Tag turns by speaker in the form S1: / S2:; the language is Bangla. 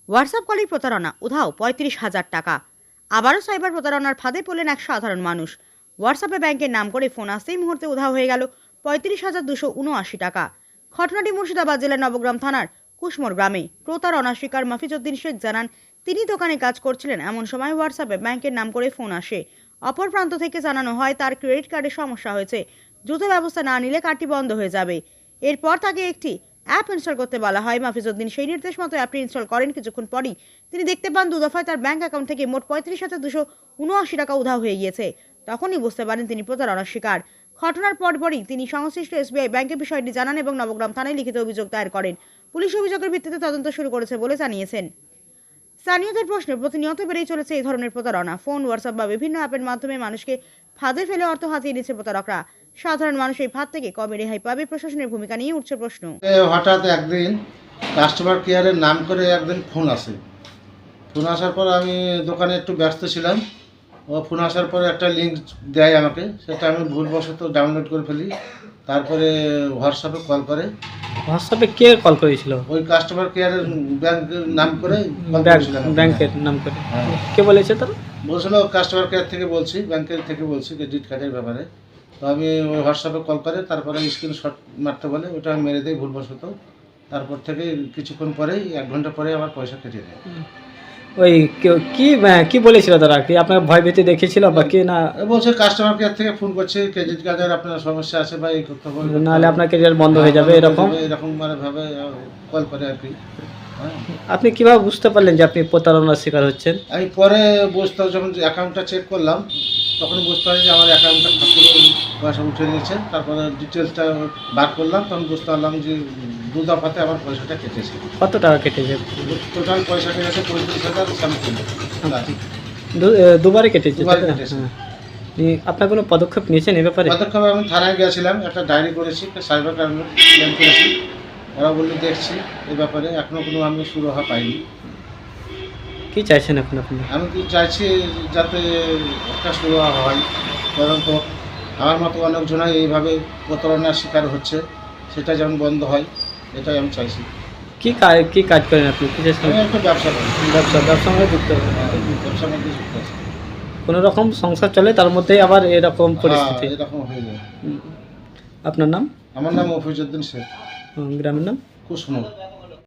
S1: হোয়াটসঅ্যাপ কলেই প্রতারণা, উধাও ৩৫,০০০ টাকা। আবারও সাইবার প্রতারণার ফাঁদে পড়লেন এক সাধারণ মানুষ। হোয়াটসঅ্যাপে ব্যাংকের নাম করে ফোন আসতেই মুহূর্তে উধাও হয়ে গেল ৩৫,২৭৯ টাকা। ঘটনাটি মুর্শিদাবাদ জেলার নবগ্রাম থানার কুশমোর গ্রামে। প্রতারণা শিকার মফিজউদ্দিন শেখ জানান, তিনি দোকানে কাজ করছিলেন, এমন সময় হোয়াটসঅ্যাপে ব্যাংকের নাম করে ফোন আসে। অপর প্রান্ত থেকে জানানো হয় তার ক্রেডিট কার্ডে সমস্যা হয়েছে, দ্রুত ব্যবস্থা না নিলে কার্ডটি বন্ধ হয়ে যাবে। এরপর তাকে একটি অ্যাপ ইনস্টল করতে বলা হয়। মফিজউদ্দিন সেই নির্দেশ মতো অ্যাপটি ইনস্টল করেন। কিছুক্ষণ পরই তিনি দেখতে পান দু দফায় তার ব্যাংক অ্যাকাউন্ট থেকে মোট ৩৫,২৭৯ টাকা উধাও হয়ে গিয়েছে। তখনই বুঝতে পারেন তিনি প্রতারণার শিকার। ঘটনার পরপরই তিনি সংশ্লিষ্ট এসবিআই ব্যাংকে বিষয়টি জানান এবং নবগ্রাম থানায় লিখিত অভিযোগ দায়ের করেন। পুলিশ অভিযোগের ভিত্তিতে তদন্ত শুরু করেছে বলে জানিয়েছেন। স্থানীয়দের প্রশ্নে প্রতিনিয়ত বেড়েই চলেছে এই ধরনের প্রতারণা। ফোন, হোয়াটসঅ্যাপ বা বিভিন্ন অ্যাপের মাধ্যমে মানুষকে ফাঁদে ফেলে অর্থ হাতিয়ে নিচ্ছে প্রতারকরা। সাধারণ মানুষ এই ফাঁদ থেকে কবে রেহাই পাবে? প্রশাসনের ভূমিকা নিয়ে উঠছে প্রশ্ন।
S2: হঠাৎ একদিন কাস্টমার কেয়ারের নাম করে একদিন ফোন আসে। ফোন আসার পর আমি দোকানে একটু ব্যস্ত ছিলাম। ও ফোন আসার পরে একটা লিঙ্ক দেয় আমাকে, সেটা আমি ভুলবশত ডাউনলোড করে ফেলি। তারপরে হোয়াটসঅ্যাপে কল করে।
S3: হোয়াটসঅ্যাপে কে কল করেছিল?
S2: ওই কাস্টমার কেয়ারের ব্যাংকের নাম করে কল করেছিলাম।
S3: ব্যাংকের নাম করে?
S2: হ্যাঁ,
S3: কে বলেছে তারা?
S2: বলছিল কাস্টমার কেয়ার থেকে বলছি, ব্যাংকের থেকে বলছি ক্রেডিট কার্ডের ব্যাপারে। তো আমি ওই হোয়াটসঅ্যাপে কল করে তারপরে স্ক্রিনশট মারতে বলে, ওটা আমি মেরে দিই ভুলবশত। তারপর থেকে কিছুক্ষণ পরেই 1 ঘন্টা পরে আমার পয়সা কেটে দেয়।
S3: ওই কি বলেছিল তারা? কি আপনার ভয় ভীতি দেখেছিল বা কি না?
S2: বলছে কাস্টমার কেয়ার থেকে ফোন করছে, ক্রেডিট কার্ডের আপনার সমস্যা আছে বা এই করতে হবে,
S3: নাহলে আপনার ক্যারিয়ার বন্ধ হয়ে যাবে,
S2: এরকম মানে ভাবে কল করে আর কি। হ্যাঁ,
S3: আপনি কিভাবে বুঝতে পারলেন যে আপনি প্রতারণার শিকার হচ্ছেন?
S2: আমি পরে বুঝতে, যখন অ্যাকাউন্টটা চেক করলাম তখন বুঝতে পারি যে আমার অ্যাকাউন্টটা ঠাকুর পয়সা উঠে নিয়েছে। তারপরে ডিটেলসটা বার করলাম, তখন বুঝতে পারলাম যে 2 দফাতে আমার পয়সাটা কেটেছে।
S3: কত টাকা কেটেছে?
S2: টোটাল পয়সা কেটেছে 35,000 সামথিং।
S3: দুবারে কেটেছে?
S2: দুবারে কেটেছে।
S3: হ্যাঁ। আপনার কোনো পদক্ষেপ নিয়েছেন এ ব্যাপারে?
S2: পদক্ষেপে আমি থানায় গিয়েছিলাম, একটা ডায়েরি করেছি, সাইবার ক্রাইমে ক্লেম করেছি। ওরা বললো দেখছি এই ব্যাপারে, এখনও কোনো আমি সুরাহা পাইনি।
S3: কি চাইছেন এখন আপনি?
S2: আমি কি চাইছি যাতে একটা সুরাহা হয়, কারণ তো আমার মতো অনেকজনাই এইভাবে প্রতারণার শিকার হচ্ছে, সেটা যেমন বন্ধ হয়, এটাই আমি চাইছি।
S3: কি কাজ করেন আপনি? কিসের
S2: আমি
S3: সঙ্গে?
S2: একটা ব্যবসা করি,
S3: ব্যবসার সঙ্গে যুক্ত?
S2: ব্যবসার মধ্যে যুক্ত আছি।
S3: কোনো রকম সংসার চলে, তার মধ্যেই আবার এরকম পরিস্থিতি?
S2: এরকম হয়ে যায়।
S3: আপনার নাম?
S2: আমার নাম মফিজউদ্দিন শেখ,
S3: গ্রামের নাম?
S2: কুসমোর।